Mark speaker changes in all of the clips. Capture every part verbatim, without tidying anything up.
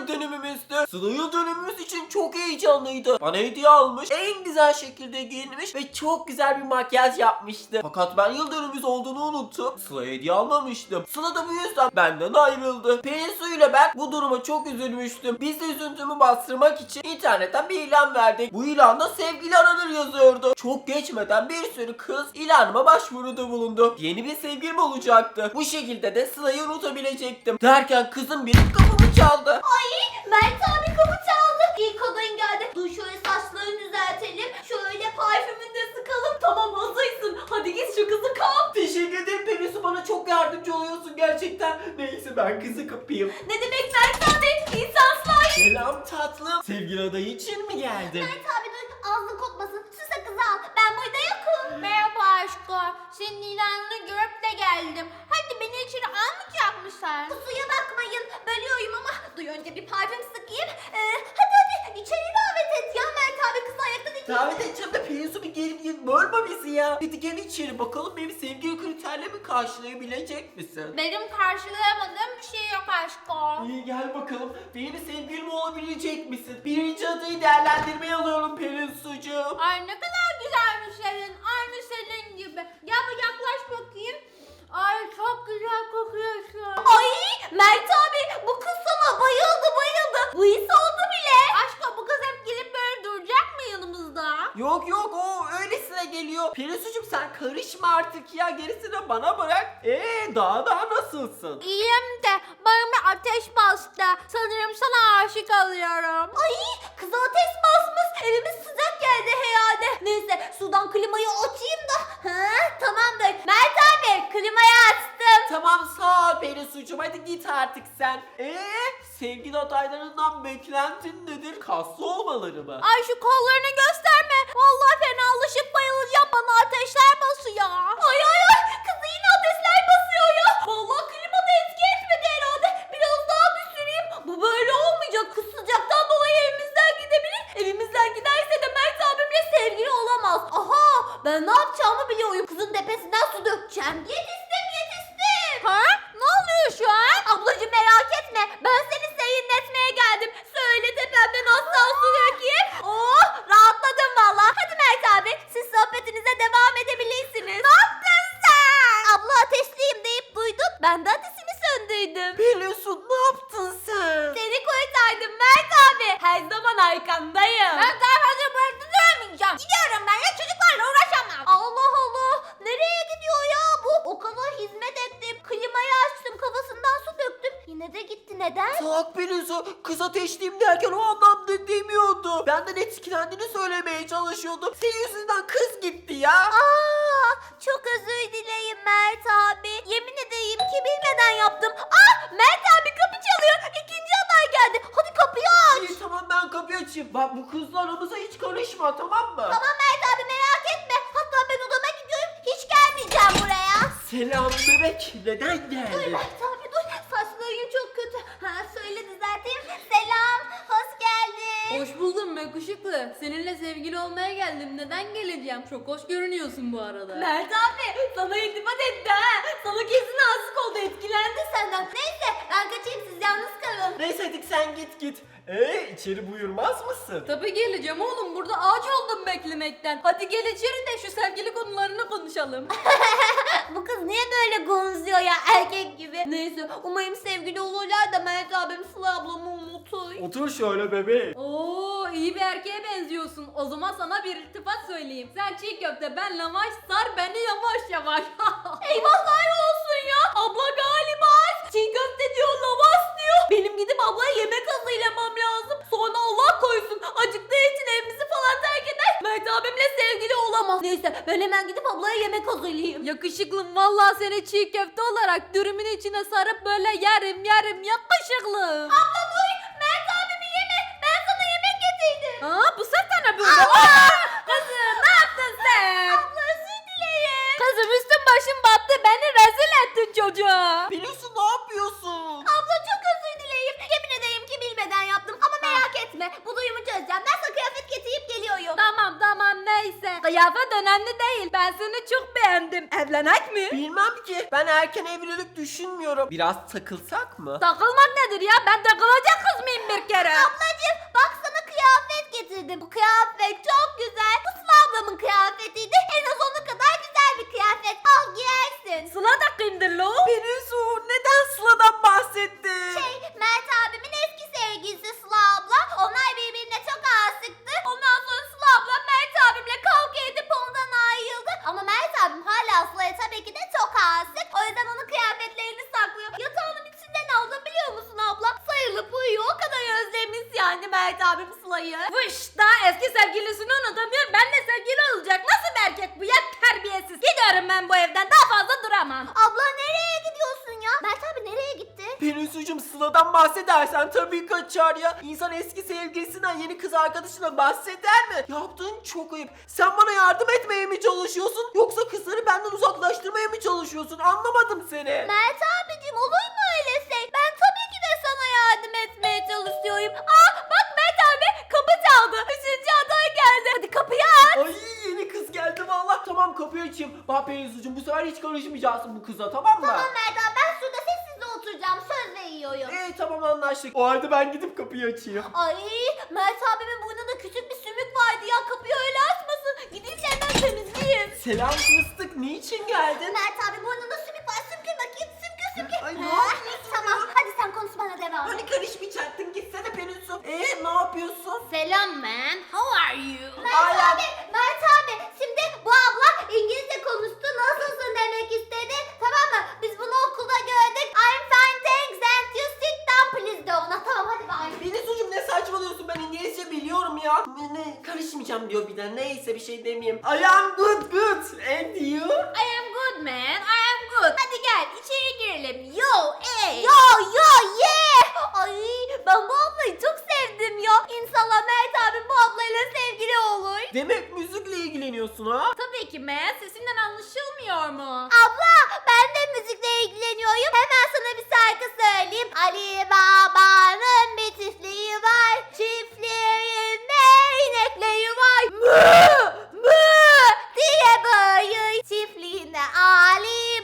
Speaker 1: dönümümüzdü. Sıla yıl dönümümüz için çok heyecanlıydı. Bana hediye almış, en güzel şekilde giyinmiş ve çok güzel bir makyaj yapmıştı. Fakat ben yıl dönümümüz olduğunu unuttum. Sıla'ya hediye almamıştım. Sıla da bu yüzden benden ayrıldı. Pelinsu ile ben bu duruma çok üzülmüştüm. Biz de üzüntümü bastırmak için internetten bir ilan verdik. Bu ilanda sevgili aranır yazıyordu. Çok geçmeden bir sürü kız ilanıma başvuruda bulundu. Yeni bir sevgilim olacaktı. Bu şekilde de Sıla'yı unutabilecektim. Derken kızın biri kapımı çaldı.
Speaker 2: Ay Mert abi kapı çaldı. İlk adayın geldi. Dur şöyle saçlarını düzeltelim. Şöyle parfümünü de sıkalım. Tamam hazırsın. Hadi git şu kızı kap.
Speaker 1: Teşekkür ederim Pelinsu, bana çok yardımcı oluyorsun gerçekten. Neyse ben kızı kapayım.
Speaker 2: Ne demek Mert abi? İnsanslar.
Speaker 1: Selam tatlım. Sevgili adayı için mi geldin?
Speaker 2: Mert abi dur ağzın kokmasın. Şu sakızı al. Ben burada yokum. Merhaba aşkım. Senin ilanını görüp de geldim. Hadi beni içeri almayacak mısın? Kusuya bakmayın. Bölüyorum ama duy önce bir parfüm sıkayım. Ee, hadi hadi içeri davet et ya Mert abi, kız ayakta değil.
Speaker 1: Davet edeceğim de Pelinsu bir gel gel bölme bizi ya. Hadi gel içeri bakalım, benim sevgili kriterlerimi karşılayabilecek misin?
Speaker 2: Benim karşılayamadığım bir şey yok aşkım.
Speaker 1: İyi gel bakalım, benim sevgilim olabilecek misin? Birinci adayı değerlendirmeye alıyorum Pelinsu'cuğum.
Speaker 2: Ay ne kadar güzelmiş senin. Aynı senin gibi. Gel bir yaklaş bakayım. Ay çok güzel kokuyorsun. Ay Mert abi bu kız sana bayıldı bayıldı. Bu his oldu bile. Aşkım bu kız hep gelip böyle duracak mı yanımızda?
Speaker 1: Yok yok, o öylesine geliyor. Pelinsu'cum sen karışma artık ya, gerisini bana bırak. Eee daha daha nasılsın?
Speaker 2: İyiyim de bana bir ateş bastı. Sanırım sana aşık oluyorum. Ay kıza ateş basmış. Evimiz sıcak geldi herhalde. Neyse sudan klimayı açayım da. Ha, tamamdır. Mert abi klimayı açtım.
Speaker 1: Tamam sağ ol Pelinsu'cum, hadi git artık sen. Eee sevgili adaylarından beklentin nedir? Kaslı olmaları mı?
Speaker 2: Ay şu kollarını gösterme. Vallahi fenalaşıp bayılacağım. Bana ateşler basıyor. Ay ay ay. Kızı yine ateşler basıyor ya. Vallahi klimada etki etmedi herhalde. Biraz daha düşüreyim. Bu böyle olmayacak. Kız sıcaktan dolayı evimizden gidebilir. Evimizden giderse de Mert abimle sevgili olamaz. Aha ben ne yapacağımı biliyorum. Kızın tepesinden su dökeceğim. Yetiştim yetiştim. Ha? Ne oluyor şu an? Ablacığım merak etme. Ben seni seyinletmeye geldim. Söyle tepemden asla su dökeyim. Oh rahatladım valla. Hadi Mert abi siz sohbetinize devam edebilirsiniz. Ne yaptın sen? Abla ateşliyim deyip duydun. Ben de ateşini söndürdüm.
Speaker 1: Pelinsu ne yaptın sen?
Speaker 2: Seni kurtardım Mert abi. Her zaman arkandayım. Ben daha fazla burada duramayacağım. Gidiyorum ben ya, çocuklarla uğraşamam. Allah Allah. Nereye gidiyor ya bu? O kadar hizmet ettim. Klimayı açtım. Kafasından su döktüm. Yine de gitti. Neden?
Speaker 1: Tak Pelinsu, kız ateşliyim derken o anlamda demiyordu. Benden etkilendiğini söylemeye çalışıyordum. Senin yüzünden kız gitti ya.
Speaker 2: Aa, çok özür dileyim Mert abi. Yemin edeyim ki bilmeden yaptım. Aa, Mert abi kapı çalıyor. İkinci aday geldi. Hadi kapıyı aç.
Speaker 1: İyi tamam ben kapıyı açayım. Bak bu kızla aramıza hiç karışma, tamam mı?
Speaker 2: Tamam Mert abi merak etme. Hatta ben odama gidiyorum. Hiç gelmeyeceğim buraya.
Speaker 1: Selam bebek, neden
Speaker 2: Dur
Speaker 1: geldin?
Speaker 2: Mert abi dur. Saçların çok kötü. Ha, söyle düzelteyim. Selam. Hoş geldin.
Speaker 3: Hoş buldum yakışıklı. Seninle sevgili olmaya geldim. Neden geleceğim? Çok hoş görünüyorsun bu arada.
Speaker 2: Mert abi sana iltifat etti ha. Sana kesin aşık oldu. Etkilendi senden. Neyse ben kaçayım, siz yalnız kalın.
Speaker 1: Neyse hadi sen git git. Ee içeri buyurmaz mısın?
Speaker 3: Tabii geleceğim oğlum. Burada ağaç oldum beklemekten. Hadi gel içeri de şu sevgili konularını konuşalım.
Speaker 2: Bu kız niye böyle gonzuyor ya erkek gibi? Neyse umarım sevgili olurlar da Mert abim Sıla ablamı unutur.
Speaker 1: Otur şöyle bebeğim.
Speaker 3: Oo, iyi bir erkeğe benziyorsun. O zaman sana bir iltifat söyleyeyim. Sen çiğ köfte, ben lavaş, sar beni yavaş yavaş.
Speaker 2: Eyvahlar olsun ya. Abla galiba çiğ köfte diyor, lavaş diyor. Benim gidip ablaya yemek hazırlamam lazım. Sonra Allah koysun acıktığı için evimizi falan terk eder. Mert abimle sevgili olamaz. Neyse ben hemen gidip ablaya yemek hazırlayayım.
Speaker 3: Yakışıklım, vallahi seni çiğ köfte olarak dürümün içine sarıp böyle yerim yerim yakışıklım.
Speaker 2: Abla dur, Mert abimi yeme. Ben sana yemek getirdim.
Speaker 3: Aa, bu sefer ne böyle? Aa, kızım ne yaptın sen?
Speaker 2: Abla özür dileyim.
Speaker 3: Kızım üstün başın battı, beni rezil ettin çocuğa.
Speaker 1: Pelinsu ne yapıyorsun?
Speaker 2: Abla çok özür dileyim. Yemin edeyim ki bilmeden yaptım ama merak etme. Bu duyumu çözeceğim. Ben sana kıyafet getirip geliyorum.
Speaker 3: Tamam tamam neyse. Kıyafet önemli değil. ben seni çok beğendim. Evlenek mi?
Speaker 1: Bilmem ki. Ben erken evlilik düşünmüyorum. Biraz takılsak mı?
Speaker 3: Takılmak nedir ya? Ben takılacak kız mıyım bir kere?
Speaker 2: Ablacığım bak sana kıyafet getirdim. Bu kıyafet çok güzel. Bu Sıla ablamın kıyafetiydi. En az onun kadar güzel bir kıyafet. Al giyersin.
Speaker 3: Sıla da kimdir lo?
Speaker 1: Pelinsu neden Sıla'dan bahsettin?
Speaker 2: Şey, Mert abimin eski sevgilisi Sıla abla. Onlar birbirine çok aşıktı. Ondan sonra Sıla abla Mert abimle kavga edip ondan ayrıldı. Ama Mert abim hala Sıla'ya tabii ki de çok aşık. O yüzden onun kıyafetlerini saklıyor. Yatağının içinden aldım biliyor musun abla? Sayılıp uyuyor. O kadar özlemiş yani Mert abim Sıla'yı.
Speaker 3: Vış daha eski sevgilisini unutamıyor. Benle sevgili olacak. Nasıl bir erkek bu ya? Terbiyesiz. Gidiyorum ben bu evden. Daha fazla duramam.
Speaker 2: Abla nereye gidiyorsun ya? Mert abi nereye gitti?
Speaker 1: Pelinsu'cum Sıla'dan bahsedersen tabii kaçar ya. İnsan eski sevgilisinden yeni kız arkadaşına bahseder mi? Yaptığın çok ayıp. Sen bana yardım etmeye mi çalışıyorsun? Yoksa kızları benden uzaklaştırmaya mı çalışıyorsun? Anlamadım seni.
Speaker 2: Mert abicim olur mu öyle şey? Ben tabii ki de sana yardım etmeye çalışıyorum. Aa bak Mert abi kapı çaldı. Üçüncü aday geldi. Hadi kapıyı aç.
Speaker 1: Ay yeni kız geldi valla. Tamam kapıyı açayım. Bak Pelinsu'cum bu sefer hiç karışmayacaksın bu kıza tamam mı?
Speaker 2: Tamam Mert abi ben şurada sessizce oturacağım. Söz veriyorum.
Speaker 1: İyi tamam anlaştık. O halde ben gidip kapıyı açayım.
Speaker 2: Ay Mert abimin burnunda küçük bir sümük vardı ya. Kapıyı öyle açmasın. Gideyim de hemen temizleyeyim.
Speaker 1: Selam fıstık. Niçin geldin?
Speaker 2: Mert abi burnunda sümük var. Sümkür bakayım. Sümkür sümkür.
Speaker 1: Ay, ne
Speaker 2: Ha,
Speaker 1: yapıyorsun
Speaker 2: Tamam
Speaker 1: ya?
Speaker 2: hadi sen konuşmana devam et.
Speaker 1: Hani karışmayacaktın gitsene Pelinsu. Eee ne yapıyorsun?
Speaker 3: Selam man. How are you?
Speaker 2: Mert
Speaker 1: Hala-
Speaker 2: abi, Mert abi. Şimdi bu abla İngilizce konuştu. Nasılsın demek istedi. Tamam mı? Biz bunu okulda gördük. I'm fine thanks and you sit down please de ona. Tamam hadi bye.
Speaker 1: Pelinsu'cum ne saçmalıyorsun ben İngilizce biliyorum ya. Ne, ne karışmayacağım diyor bir de neyse bir şey demeyeyim. I am good good and you?
Speaker 3: I am good man. I am good. Hadi gel içeri girelim. Yo ey.
Speaker 2: Yo yo yeah. Ay ben bu ablayı çok sevdim ya. İnşallah Mert abi bu ablayla sevgili olur.
Speaker 1: Demek müzikle ilgileniyorsun ha?
Speaker 3: Tabii ki man. Sesinden anlaşılmıyor mu?
Speaker 2: Abla ben de müzikle ilgileniyorum. Hemen sana bir şarkı söyleyeyim. Ali Baba'nın bir çiftliği var. Çiftliğinde inekleri var. Mı mı diye bağırıyor. Çiftliğinde Ali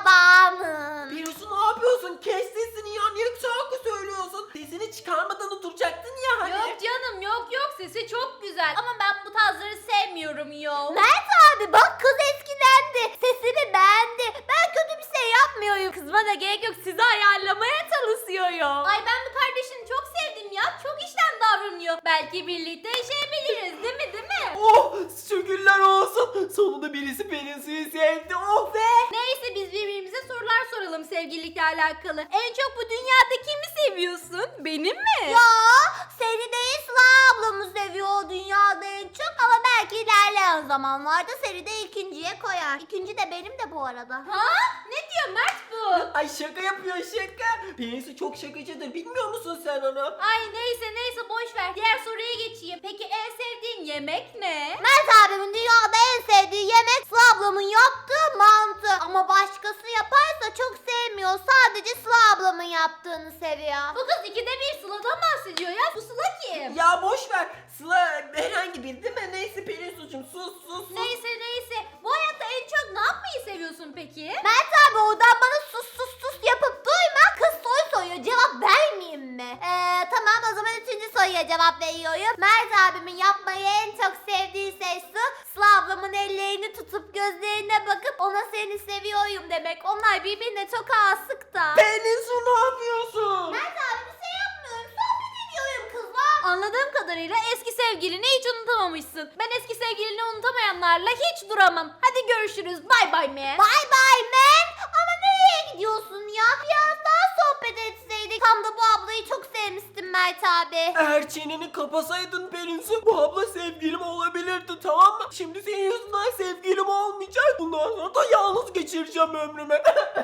Speaker 2: Baba'nın.
Speaker 1: Pelinsu ne yapıyorsun? Kes sesini ya niye şarkı söylüyorsun? Sesini çıkarmadan oturacaktın ya hani.
Speaker 3: Yok canım yok yok. Sesi çok güzel. Ama ben bu tarzları sevmiyorum yo.
Speaker 2: Mert abi bak kız etkilendi. Sesimi beğendi. Ben kötü bir şey yapmıyorum.
Speaker 3: Kızma da gerek yok. Sizi ayarlamaya çalışıyorum. Ay ben bu kardeşini çok sevdim ya. Çok işten davranıyor. Belki birlikte yaşayabiliriz değil mi değil mi?
Speaker 1: Oh şükürler olsun. Sonunda birisi Pelinsu'yu sevdi. Oh be.
Speaker 3: Neyse biz birbirimize sorular soralım sevgililikle alakalı. En çok bu dünyada kimi seviyorsun? Benim mi?
Speaker 2: Ya seni değil Sıla ablamı seviyor o dünyada en çok ama belki ilerleyen zamanlarda seni de ikinciye koyar. İkinci de benim de bu arada.
Speaker 3: Ha? Ne diyor Mert bu?
Speaker 1: Ay şaka yapıyor şaka. Pelinsu çok şakacıdır bilmiyor musun sen onu?
Speaker 3: Ay neyse neyse boş ver. Diğer soruya geçeyim. Peki en sevdiğin yemek ne?
Speaker 2: Mert abimin dünyada en sevdiği yemek Sıla ablamın yaptığı mantı. Ama başkası yaparsa çok sevmiyor. Sadece Sıla ablamın yaptığını seviyor.
Speaker 3: Bu kız ikide bir Sıla'dan bahsediyor ya. Bu Sıla kim?
Speaker 1: Ya boş ver. Sıla herhangi bir değil mi? Neyse Pelinsu'cum sus sus sus.
Speaker 3: Neyse neyse. Bu hayatta en çok ne yapmayı seviyorsun peki?
Speaker 2: Mert abi oradan bana sus sus sus yapıp duyma. Kız soru soruyor cevap vermeyeyim mi? Eee tamam o zaman üçüncü soruya cevap veriyorum. Mert abimin yapmayı en çok sevdiği şey su. Sıla ablamın ellerini tutup gözlerine bakıp ona seni seviyorum demek. Onlar birbirine çok aşık da.
Speaker 1: Pelinsu ne yapıyorsun?
Speaker 2: Mert abi bir şey yapmıyorum. Sohbet ediyorum kızla.
Speaker 3: Anladığım kadarıyla eski sevgilini hiç unutamamışsın. Ben eski sevgilini unutamayanlarla hiç duramam. Hadi görüşürüz. Bye bye man.
Speaker 2: Bye bye man. Ama nereye gidiyorsun ya? Biraz daha sohbet etseydik. Tam da bu ablayı çok sevmiştim Mert abi.
Speaker 1: Eğer çeneni kapasaydın Pelinsu bu abla sevgilim olabilirdi tamam mı? Şimdi senin yüzünden sevgilim olmayacak. Bundan sonra da yalnız geçireceğim ömrümü.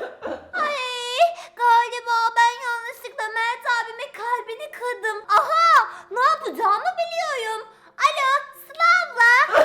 Speaker 2: Ay galiba ben yanlışlıkla Mert abimin kalbini kırdım. Aha ne yapacağımı biliyorum. Alo Sıla abla.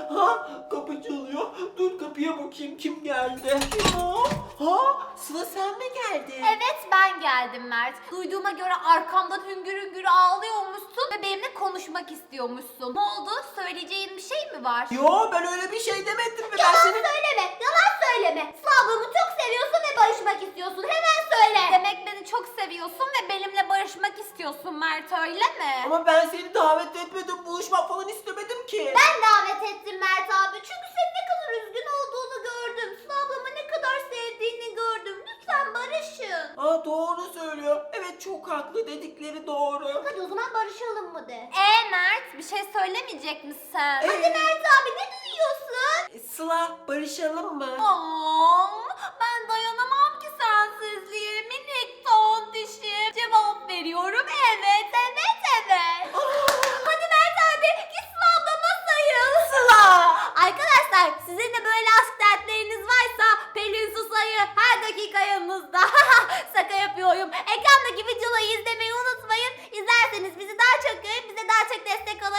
Speaker 1: ha kapı çalıyor. Dur kapıya bakayım kim geldi. Kim o? Ha Sıla sen mı geldi?
Speaker 3: Evet ben geldim Mert. Duyduğuma göre arkamdan hüngür hüngür ağlıyormuşsun ve benimle konuşmak istiyormuşsun. Ne oldu? Söyleyeceğin bir şey mi var?
Speaker 1: Yo, ben öyle bir şey demedim ve ben
Speaker 2: Yalan
Speaker 1: seni...
Speaker 2: söyleme, yalan söyleme. Sıla ablamı çok seviyorsun ve barışmak istiyorsun. Hemen söyle.
Speaker 3: Demek beni çok seviyorsun ve benimle barışmak istiyorsun Mert, öyle mi?
Speaker 1: Ama ben seni davet etmedim, buluşmak falan istemedim ki.
Speaker 2: Ben davet ettim Mert abi. Çünkü senin ne kadar üzgün olduğunu gördüm. Sıla ablamı ne kadar sevdiğini gördüm. Lütfen barışın.
Speaker 1: Aa, doğru söylüyor. Evet, çok haklı, dedikleri doğru.
Speaker 2: Hadi o zaman barışalım mı de.
Speaker 3: Ee Mert, bir şey söylemeyecek misin?
Speaker 2: Hadi Mert abi, ne duyuyorsun?
Speaker 1: E, Sıla, barışalım mı?
Speaker 3: Aman, ben dayanamam ki sensizliğe minik tontişim. Cevap veriyorum evet, evet, evet.
Speaker 2: Hadi Mert abi, git Sıla ablama sayıl.
Speaker 3: Sıla!
Speaker 2: Arkadaşlar, sizin de böyle aşk dertleriniz varsa Pelin Su Sayı her dakika yanınızda. Şaka yapıyorum. Ekrandaki videoları izlemeyi unutmayın. İzlerseniz bizi daha çok görüp bize daha çok destek olabilirsiniz.